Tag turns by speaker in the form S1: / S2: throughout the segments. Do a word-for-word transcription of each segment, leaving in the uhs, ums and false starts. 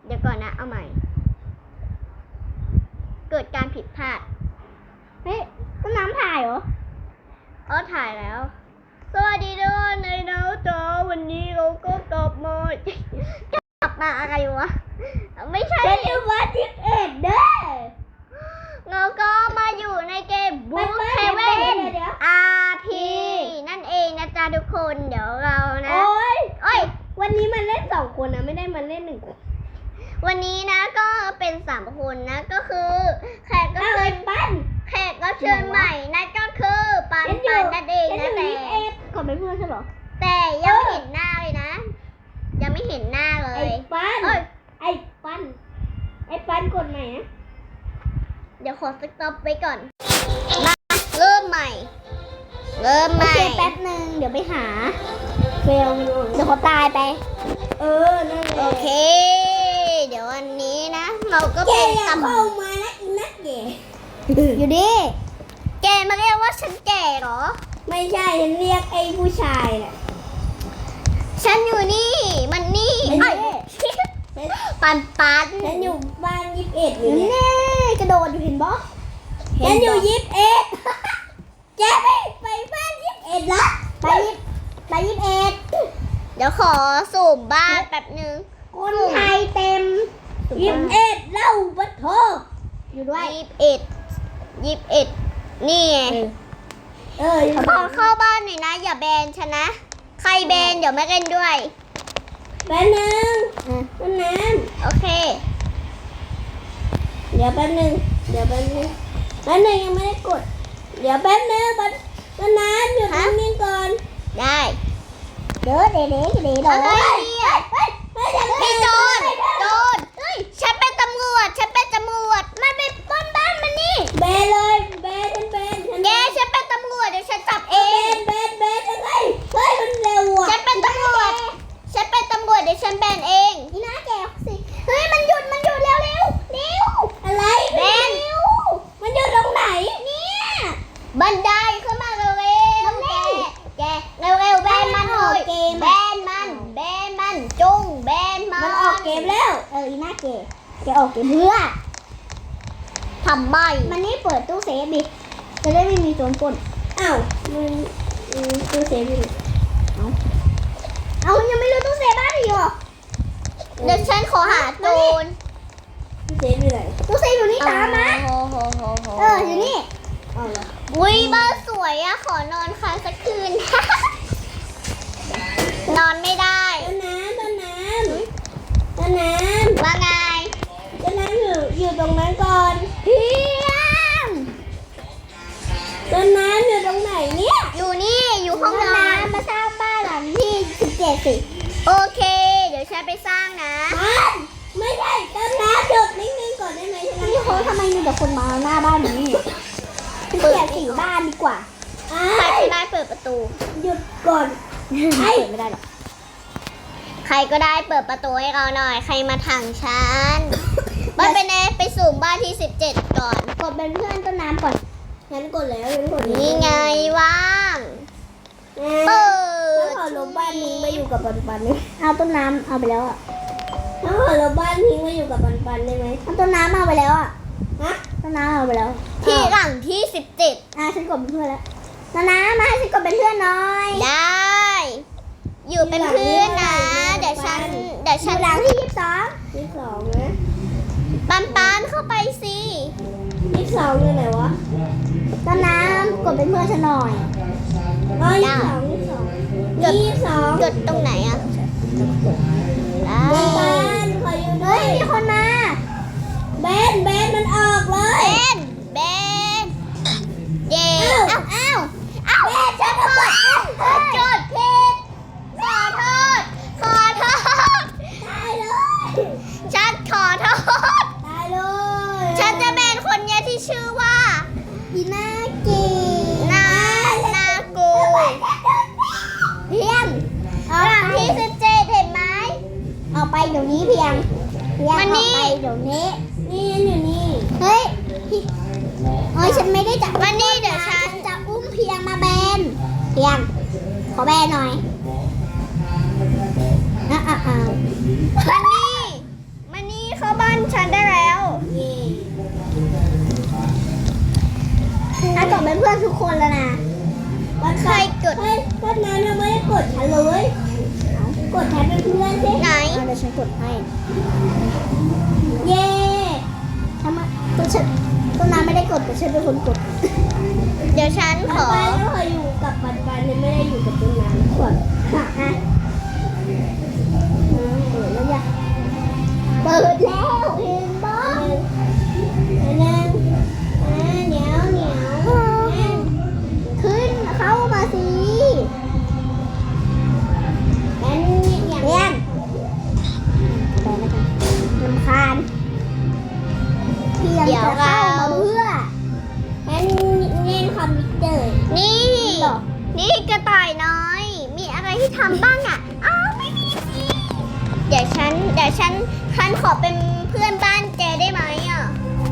S1: เดี๋ยวก่อนนะเอาใหม่เกิดการผิดพลาดเฮ้ยต้นน้ำถ่ายเหรออ๋อถ่ายแล้วสวัสดีด้วยในน้าจ๋าวันนี้เราก็กลับมากลับมาอะไรวะไม่ใช่เป็นวันที่เอ็ดเด้อเราก็มาอยู่ในเกมบุ๊กเฮเว่น อาร์ พี นั่นเองนะจ๊ะทุกคนเดี๋ยวเรานะโอ้ยโอ้ย
S2: วันนี้มันเล่นสองคนนะไม่ได้มันเล่นหนึ่งคน
S1: วันนี้นะก็เป็นสามคนนะก็คือแขกก็เชิญปั้นแขกก็เชิญใหม่นั่นก็คือปันปันนั่นเองนะแต่
S2: ก่อนเป็นเพื่อนใช่หรอ
S1: แต่ยังไม่เห็นหน้าเลยนะยังไม่เห็นหน้าเลย
S2: ไอ้ปั้นไอ้ปั้นไอ้ปั้นกดใหม่นะ
S1: เดี๋ยวขอสต็อปไว้ก่อนมาเริ่มใหม่เริ่มใหม่
S2: โอเคแป๊บนึงเดี๋ยวไปหาเฟลเดี๋ยวเขาตายไปเออนั่น
S1: โอเคเดี๋ยววันนี้นะเราก็เป็นตำ
S2: เข้ามานะอีนักแก่
S1: อยู่ดิแกมาเรียกว่าฉันแก่เหรอ
S2: ไม่ใช่ฉันเรียกไอ้ผู้ชายแหละ
S1: ฉันอยู่นี่มันนี่ไอ้ปันปัน
S2: ฉันอยู่บ้านยิบเอ็ดอยู่เนี่ยกระโดดอยู่เห็นบ่ฉันอยู่ยิบเอ็ดแกไปไปบ้านยิบเอ็ดละไปยิบไปยิบเอ็ด
S1: เดี๋ยวขอสูมบ้านแป๊บนึง
S2: คนไทยเต็มยิบเอ็ดเล่าบัตโทอยู่ด้วย
S1: ยิบเอ็ดยิบเอ็ดนี่ไง
S2: เออ
S1: ขอเข้าบ้านหน่อยนะอย่าแบนฉันนะใครแบนเดี๋ยวไม่เล่นด้วย
S2: แป๊บนึงแป๊บนึง
S1: โอเค
S2: เดี๋ยวแป๊บนึงเดี๋ยวแป๊บนึงแป๊บนึงยังไม่ได้กดเดี๋ยวแป๊บนึงแป๊บนึงหยุดนิ่งๆก่อน
S1: ได้
S2: เดี๋ยวเดี๋ยวเดี๋ยวเดี๋ยว
S1: อะไรเนี่ยพี่โจรโจรฉันเป็นตำรวจฉันเป็นตำรวจมันเป็นปล้นบ้านมันนี่
S2: เบนเลยเบนฉันเบน
S1: แกฉันเป็นตำรวจเดี๋ยวฉันจับเอ
S2: งเบนเบนเบนอะไรเฮ้ยมันเร็วอ่ะ
S1: ฉันเป็นตำรวจฉันเป็นตำรวจเดี๋ยวฉันแบนเอง
S2: นี่นะแกสิเฮ้ยมันหยุดมันหยุดเร็วเร็วเร็วอะไร
S1: แบน
S2: มันหยุดตรงไหนเนี่ย
S1: บันไดขึ้นมาเร็วเร็วแกแกเร็วเร็วแบนมันเลยแบนมันแบนมันจุ้งแบนมัน
S2: มันออกเกมแล้วเอออีน่าเกมแกออกเกมเพื่อ
S1: ทำไม
S2: มันนี่เปิดตู้เซฟดิจะได้ไม่มีโจรปล้นอ้าวมันตู้เซฟอยู่เอาเอายังไม่รู้ตู้เซฟบ้านอยู่หรอ
S1: เดี๋ยวฉันขอหาโจร
S2: ตู้เซฟอยู่ไหนตู้เซฟอยู่นี่ตามมาเอออยู่นี่
S1: อุ้ยบ้านสวยอะขอนอนค้างสักคืน นอนไม่ได้
S2: ต้นน้ำต้นน้ำต้นน้ำ
S1: ว่าไง
S2: ต้นน้ำอยู่อยู่ตรงนั้นก่อน
S1: เพียง
S2: ต้นน้ำอยู่ตรงไหนเนี่ย
S1: อยู่นี่อยู่ห้องนอน
S2: มาสร้างบ้านหลังที่สิบเจ็ดสิ
S1: โอเคเดี๋ยวฉันไปสร้างนะ
S2: ไม่ใช่ต้นน้ำหยุดนิ่งๆก่อนได้ไหมนี่เขาทำไมมีแต่คนมาหน้าบ้านนี้เปิดสี่บ้านดีกว่า
S1: ใครก็ได้เปิดประตู
S2: หยุดก่อนเปิดไม่ได้หรอก
S1: ใครก็ได้เปิดประตูให้เราหน่อยใครมาถังฉันบ้านเป็นไงไปสู่บ้านที่สิบเจ็ดก่อน
S2: กดเป็นเพื่อนต้นน้ำก่อนงั้นกดแล้วงั้นกด
S1: นี่ไงว่าง
S2: เปิดถ้าขอลบบ้านนี้มาอยู่กับปันปันนี่เอาต้นน้ำเอาไปแล้วอ่ะถ้าขอลบบ้านนี้มาอยู่กับปันปันได้ไหมเอาต้นน้ำเอาไปแล้วอ่ะฮะต้นน้ำเอาไปแล้ว
S1: ที่หลังที่สิบเจ็ด
S2: อ่ะฉันกดเป็นเพื่อนแล้วต้นน้ำมาให้ฉันกดเป็นเพื่อนหน่อย
S1: ได้อยู่เป็นเพื่อนนะเดี๋ยวฉันเดี๋ยวฉัน
S2: หลังที่ยี่สิบสองยี่สิบสองนะ
S1: ปันปันเข้าไปสิ
S2: ยี่สิบสองอยู่ไหนวะต้นน้ำกดเป็นเพื่อนฉันหน่อยอ๋อยี่สิบสองยี่สิบสองยี่สิบสอง
S1: กดตรงไหนอ่ะ
S2: ได้ปันขออยู่ด้วยมีคนมาเบนเบนมันออกเลย
S1: เบนเบนเย้อ้าวอ้าวอ้าวฉันกดกดผิดขอโทษขอโทษ
S2: ตายเลย
S1: ฉันขอโทษ
S2: ตายเลย
S1: ฉันจะเป็นคนเนี้ยที่ชื่อว่า
S2: อีน่าเกี
S1: นานากู
S2: เพียง
S1: หลังที่สิบเจ็ดเห็นไหม
S2: ออกไปเดี๋ยวนี้เพียงเพียงออกไปเดี๋ยวนี้นี่อยู่นี่เฮ้ยเฮ้ยฉันไม่ได้จับ
S1: วันนี้เดี๋ยวฉัน
S2: จะอุ้มเพียงมาแบนเพียงขอแบนหน่อยนะอ่ะอ่ะ
S1: มันนี่มันนี่
S2: เป็นเพื่อนทุกคนแล้วนะ
S1: ใครกด
S2: เฮ้ยก็นั้นเราไม่ได้กดฉันเลยกดฉันเป็นเพื่อนสิ
S1: ไหน
S2: เดี๋ยวฉันกดให้ เย้ทำไมตัวฉันตัวน้ำไม่ได้กดแต่ฉันเป็นคนกด
S1: เดี๋ยวฉันขอ
S2: ไปแล้วเคยอยู่กับปันปันไม่ได้อยู่กับตัวน้ำกดค่ะอ่ะเปิดแล้วยังเปิดแล้วเห็นบ้างอันนั้นอ่าเหนียวเหนียวขึ้นเข้ามาสิงั้นอย่างเงี้ยไปแล้วกันรำคาญเพียงจะเข้ามาเพื่องั้นเล่นคอมพิวเตอร์
S1: นี่
S2: หรอ
S1: นี่กระต่ายน้อย มีอะไรที่ทำบ้างอ่ะ อ้าวไม่มีสิเดี๋ยวฉัน เดี๋ยวฉันฉันขอเป็นเพื่อนบ้านแกได้ไหมอ่ะ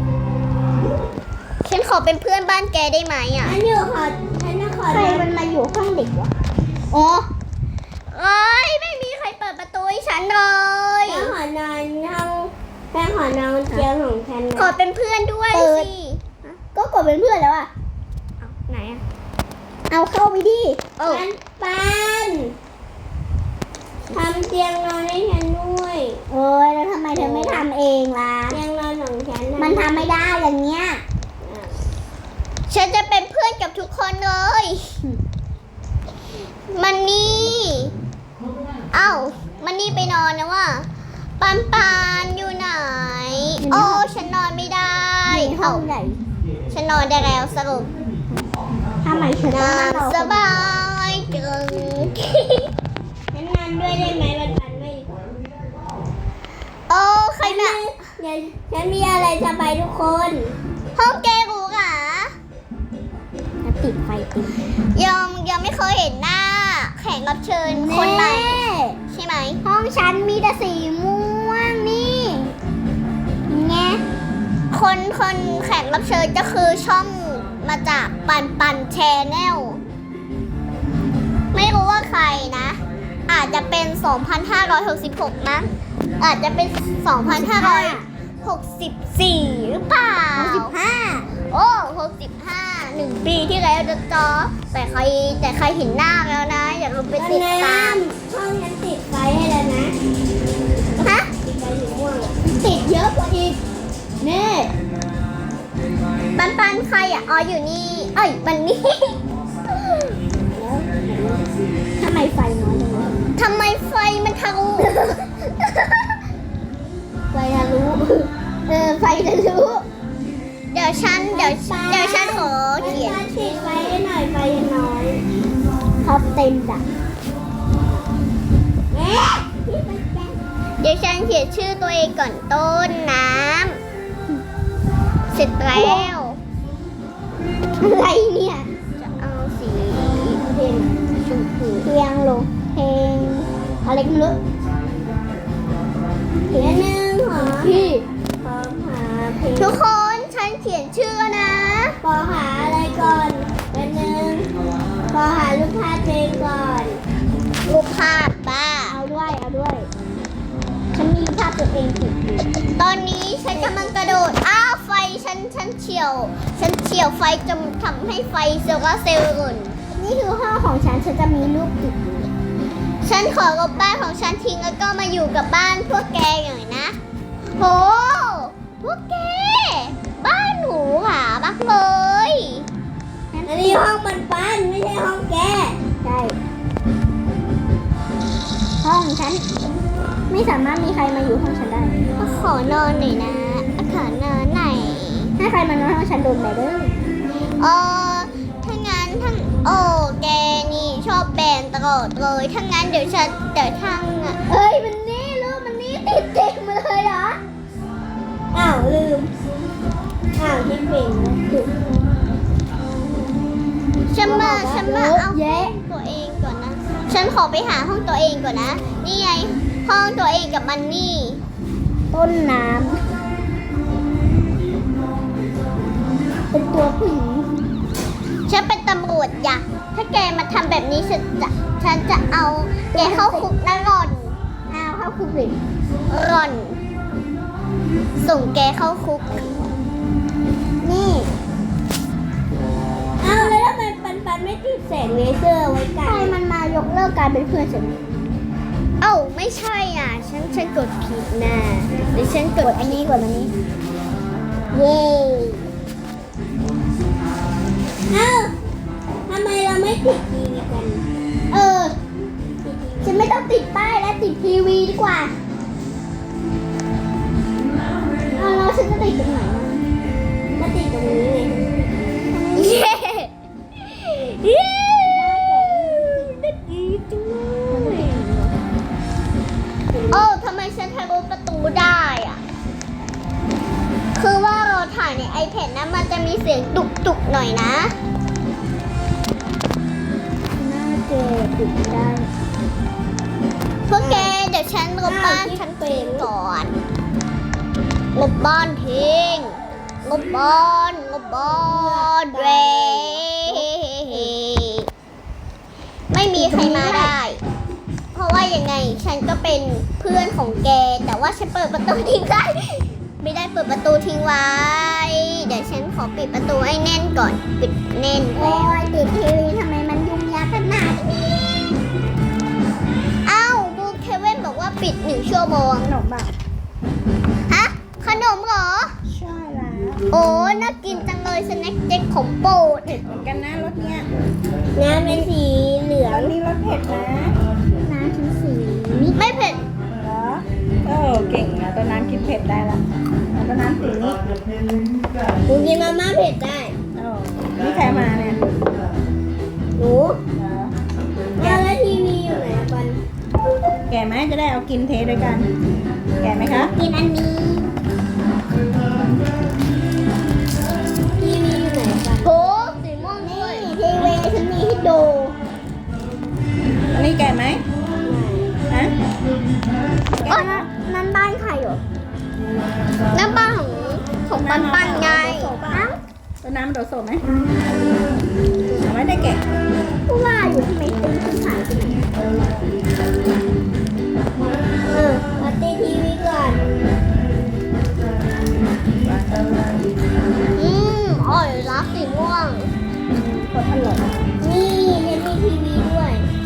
S1: ฉันขอเป็นเพื่อนบ้านแกได้ไหมอ่ะ
S2: ฉันอยู่ขอฉันจะขอใครมันมาอยู่ห้องเด็กวะอ๋อ
S1: เอ้ยไม่มีใครเปิดประตูให้ฉันเลย
S2: แม่ขอนอนห้องแม่ขอนอนเตียงของฉัน
S1: ขอเป็นเพื่อนด้วยสิ
S2: ก็กดเป็นเพื่อนแล้วอ่ะ
S1: เอาไหนอ่ะ
S2: เอาเข้าไปดิ
S1: โอ้
S2: ปันปันทำเตียงนอนให้ฉันด้วยโอ้ยแล้วทำไมเธอไม่ทำเองล่ะเตียงนอนของฉันมันทำไม่ได้อย่างเงี้ย
S1: ฉันจะเป็นเพื่อนกับทุกคนเลย มันนี่เอ้ามันนี่ไปนอนนะว่าปันปันอยู่ไหน โอ้ฉันนอนไม่ได้
S2: ในห้
S1: เอ้า
S2: องไหน
S1: ฉันนอนได้แล้วสรุป
S2: ทำไมเธอต้อง
S1: นอน
S2: นอน
S1: สบายจัง
S2: ฉันนอนด้วยได้ไหมปันปันไม่
S1: โอ้ใครมา
S2: เดี๋ยวฉันมีอะไรจะไปทุกคน
S1: ห้องแกรู้เหรอ
S2: ติดไฟติด
S1: ยังยังไม่เคยเห็นหน้า แขกรับเชิญคนใหม่ใช่ไหม
S2: ห้องฉันมีแต่สีม่วงนี่ไง
S1: คนคนแขกรับเชิญก็คือช่องมาจากปันปันแชนแนลไม่รู้ว่าใครนะ อาจจะเป็น สองพันห้าร้อยหกสิบหก นะ อาจจะเป็น สองพันห้าร้อยหกสิบสี่ หรือเปล่า
S2: สิบห้า
S1: โอ้หกสิบห้า หนึ่งปีที่แล้วจะจอ แต่ใครแต่ใครเห็นหน้าแล้วนะ อยากลองไปติดตาม
S2: ห้องฉันติดไฟให้แล้วนะ
S1: ฮะ
S2: ติดไฟอยู่ม่วงติดเยอะกว่าอีกนี่
S1: ปันปันใครอ่ะ อ๋ออยู่นี่ เอ้ยมันนี่
S2: ทำไมไฟน้อยจังเลย
S1: ทำไมไฟมันทะลุ
S2: ไฟทะลุเออไฟทะลุ
S1: เดี๋ยวฉันเดี๋ยวเดี๋ยวฉันขอเขียน
S2: ติดไฟให้หน่อยไฟยังน้อยท็อปเต็มจ้ะเอ๊ะพี่ไปแจ้ง
S1: เดี๋ยวฉันเขียนชื่อตัวเองก่อนต้นน้ำเสร็จแล้ว
S2: อะไรเนี่ย
S1: จะเอาสี
S2: เพลง
S1: ชมพู
S2: เพลงลงเพลงอะไรก็ไม่รู้เพลงหนึ่งหรอพี่ขอหาเพลง
S1: ทุกคนฉันเขียนชื่อนะ
S2: ขอหาอะไรก่อนเป็นหนึ่งขอหารูปภาพเพลงก่อน
S1: รูปภาพบ้า
S2: เอาด้วยเอาด้วยฉันมีภาพตัวเองติดอยู่
S1: ตอนนี้ฉันกำลังกระโดด อ้าวไฟฉันฉันเฉียว ฉันเฉียวไฟจนทำให้ไฟโซลาร์เซลล์หล่น
S2: นี่คือห้องของฉันฉันจะมีรูปติดอยู่
S1: ฉันขอลบบ้านของฉันทิ้งแล้วก็มาอยู่กับบ้านพวกแกหน่อยนะ โห พวกแก บ้านหนูหราบักเลย
S2: อันนี้ห้องมันปันไม่ใช่ห้องแกใช่ห้องฉันไม่สามารถมีใครมาอยู่ห้องฉันได้
S1: ขอนอนหน่อยนะ ขอนอนหน่อย
S2: ถ้าใครมานอนห้องฉันโดนไปเด้อ
S1: เออถ้างั้นทั้งโอ้แกนี่ชอบแบนตลอดเลยถ้างั้นเดี๋ยวฉันเดี๋ยวทั้งอ่ะ
S2: เอ้ยมันนี่รูปมันนี่ติดเต็มมาเลยเหรออ้าวลืมอ้าวที่เป็นถูก
S1: ฉันมาฉันมาเอา
S2: เยอะ
S1: ตัวเองก่อนนะ ฉันขอไปหาห้องตัวเองก่อนนะ นี่ไงห้องตัวเองกับมันนี่
S2: ต้นน้ำเป็นตัวผู้หญิง
S1: ฉันเป็นตำรวจอยากถ้าแกมาทำแบบนี้ฉันจะฉันจะเอาแกเข้าคุกนะร่อน
S2: อ้าวเข้าคุกเลย
S1: ร่อน ส่งแกเข้าคุก
S2: นี่ เอ้านไม่ติดแสงเลเซอร์ไว้กันใช่มันมายกเลิกการเป็นเพื่อนฉัน
S1: เอ้าไม่ใช่อ่ะ ฉันฉันกดผิดนะหรือฉันก
S2: ก
S1: ด
S2: ดอันนี้กดอันนี้ เย้เอ้าทำไมเราไม่ติดทีวีกัน เออ ฉันไม่ต้องติดป้ายแล้วติดทีวีดีกว่าเอาแล้วฉันจะติดตรงไหนก็ติดตรงนี้ไง
S1: เย้เย้ได้ดีจังเลยโอ้ทำไมฉันทะลุประตูได้อ่ะ คือว่าเราถ่ายใน iPad นะมันจะมีเสียงตุกตุกๆหน่อยนะ
S2: หน้าเกติดได้
S1: พวกแกเดี๋ยวฉันลบบ้านฉันทิ้งก่อนลบบ้านทิ้งลบบ้านลบบ้านเรไม่มีใครมาได้ เพราะว่ายังไงฉันก็เป็นเพื่อนของแก แต่ว่าฉันเปิดประตูทิ้งได้ไม่ได้เปิดประตูทิ้งไว้ เดี๋ยวฉันขอปิดประตูให้แน่นก่อน ปิดแน่น
S2: โอ้ยติดทีวีทำไมมันยุ่งยากขนาดนี้
S1: เอ้าบูเคเว่นบอกว่าปิดหนึ่งชั่วโมง
S2: ขนมแบบ
S1: ฮะขนมเหรอ
S2: ใช่แล้ว
S1: โอ้น่ากินจังเลยสแน็คเจ๊กของโปรด
S3: เผ็ดเหมือนกันนะรสเนี้ย
S2: น้ำเป็นสีเหลือ
S3: ร
S2: ง
S3: สนี้รสเผ็ดนะ
S2: น้ำชิ้นสี
S1: ไม่เผ็ด
S3: เหรอเออเก่งนะต้นน้ำกินเผ็ดได้ละเอาต้นน้ำสีนี้
S2: หนูกินมาม่าเผ็ดได้
S3: เออนี่ใครมาเนี่ย
S2: หนู
S3: เหรอ
S2: แล้วทีวีอยู่ไหนอะปัน
S3: แก่ไหมจะได้เอากินเทด้วยกัน แก่ไหมคะ
S2: กินอันนี้ทีวีอยู่ไหนปัน
S1: โหสีม่วงด้วย
S2: นี่ทีวีฉันมีให้ดู
S3: อันนี้แก่ไหมฮะ
S2: เอ้ยนั่นบ้านใครเหรอ
S1: น้ำบ้านของของปันปันไง
S2: อ้าว
S3: ต้นน้ำมันโดดโซไหมเอาไว้ได้แก่
S2: ผู้ว่าอยู่ทำไมตึ้งขึ้นหายไปไหนเออมาตีทีวีก่อน
S1: อืมอร่อยรักสีม่วง
S2: กดอร่อยนี่ยังมีทีวีด้วย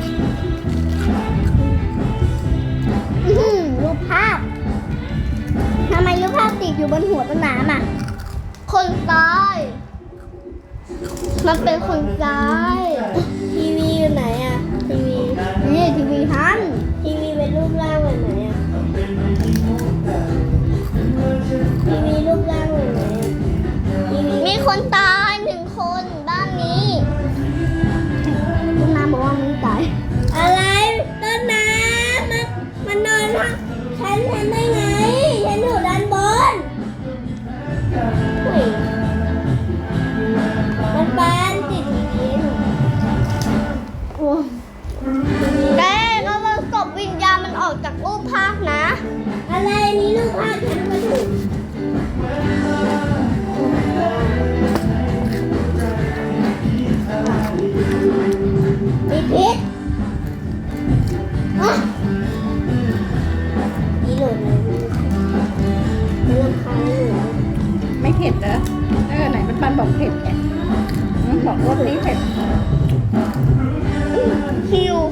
S2: อื้อหือรูปภาพทำไมรูปภาพติดอยู่บนหัวต้นน้ำอ่ะ
S1: คนซ้าย มันเป็นคนซ้าย
S2: ทีวีอยู่ไหนอ่ะ ทีวี นี่ทีวีทันทีวีเป็นรูปร่างแบบไหนอ่ะ ทีวีรูปร่างแบบไหนอ่ะ ทีวี
S1: มีคนตายหนึ่งคนบ้านนี้
S2: ต้นน้ำบอกว่ามันตาย อะไรต้นน้ำมันมันนอนพักฉันฉันได้ไง ฉันอยู่ด้านบนเฮ้ยมันปานติดทีวีหนูโอ้
S1: แกเราเราศพวิญญาณมันออกจากรูปภาพนะ
S2: อะไรนี่ลูกภาพฉันมาถูกติดพิษอ่ะนี่หล่นเลยมันรำคาญหนู
S3: ไม่เผ็ดเหรอเออไหนมันปันบอกเผ็ดไงอืมบอกรสนี้เผ็ด
S1: คิว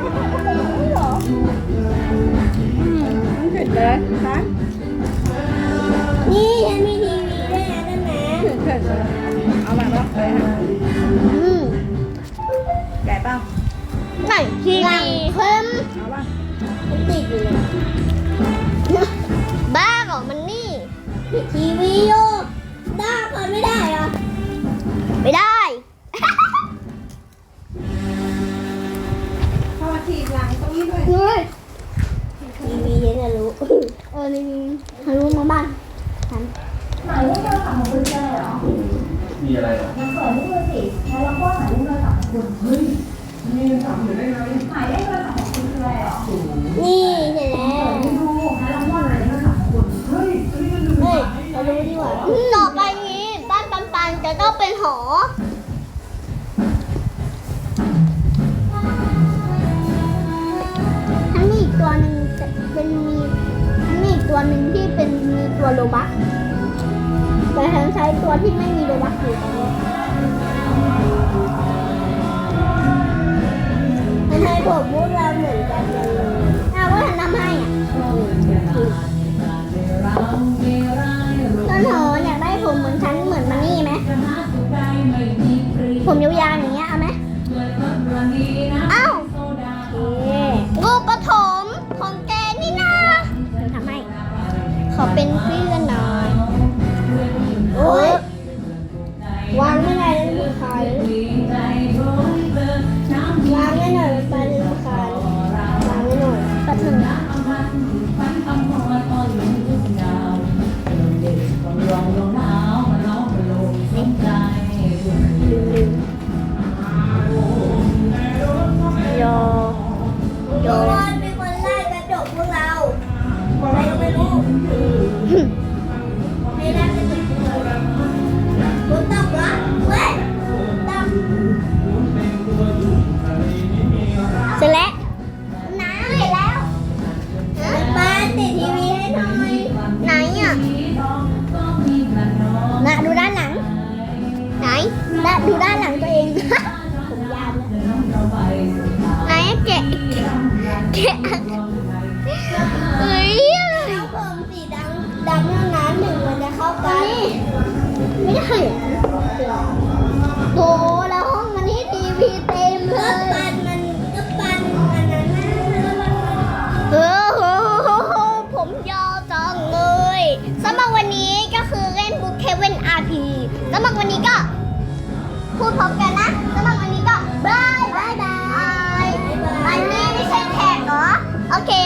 S3: อืมมันเผ็ดเลยคะ
S2: นี่ฉันมีทีวีด้วยนะต้นน้
S3: เผ็ดเลยเอามาแล้วเลยค่ะ
S1: อืม
S3: แก่เปล่า
S1: ไหนที
S2: ำหลั
S1: วี
S2: งเพิ่ม
S3: เอาป่ะ
S2: มันติดอยู่เลย
S1: บ้าเหรอมันนี่
S2: ทีวีอยู่ด้าเปิดไม่ได้เหรอ
S1: ไม่ได้
S3: เข้ามาทีหลังตรงนี้ด้วย
S2: เฮ้ยทีวีฉันจะรู้ เออนี่ทะลุมาบ้านฉัน
S4: มีอะไรเหรอ
S2: นี่เสร็จแล้วเฮ้ยเรารู้ดีกว่า
S1: ต่อไปนี้บ้านปันปันจะต้องเป็นหอ
S2: ทั้งมีอีกตัวหนึ่งจะเป็นมีทั้งมีอีกตัวหนึ่งที่เป็นมีตัวโลบักแต่ฉันใช้ตัวที่ไม่มีโลบักอยู่ตอนนี้ให้ผมพวกเราเหมือนกันเลยเอาว่าทำให้อ่ะต้นหออยากได้ผมเหมือนฉันเหมือนมันนี่ไหมผมยาวๆอย่างเงี้ยเอาไหมเอ้าลูกกระถมของแกนี่นะทำให้ขอเป็นเพื่อนหน่อยโอ้ยวางไม่ได้แล้วลูกค้าวางไม่หน่อยมันไปลูกค้าวางไม่หน่อยแป๊บหนึงนะโยโยเป็นคนไล่กระจกพวกเราอะไรก็ไม่รู้ไม่ได้กระจกพวกเราคุณตบเหรอเว้ยตบเสร็จแล้วน้าเสร็จแล้วป้าติดทีวีให้หน่อยไหนอ่ะน่ะดูด้านหลังไหนด้านดูด้านหลังตัวเอง ผมยาวแล้วไหนแกะแกะเฮ้ยแล้วผมสีดำดำเท่านั้นหนึ่งมันจะเข้ากันไม่ได้โตแล้วห้องมันนี่ทีวีเต็มเลยก็ปันมันก็ปันอันนั้นนะเออโหผมยาวจังเลยสำหรับวันนี้ก็คือเล่นบุ๊กเคเว่นอาร์พีสำหรับวันนี้ก็พูดพร้อมกันนะสำหรับวันนี้ก็บายบายบายอันนี้ไม่ใช่แขกเหรอโอเค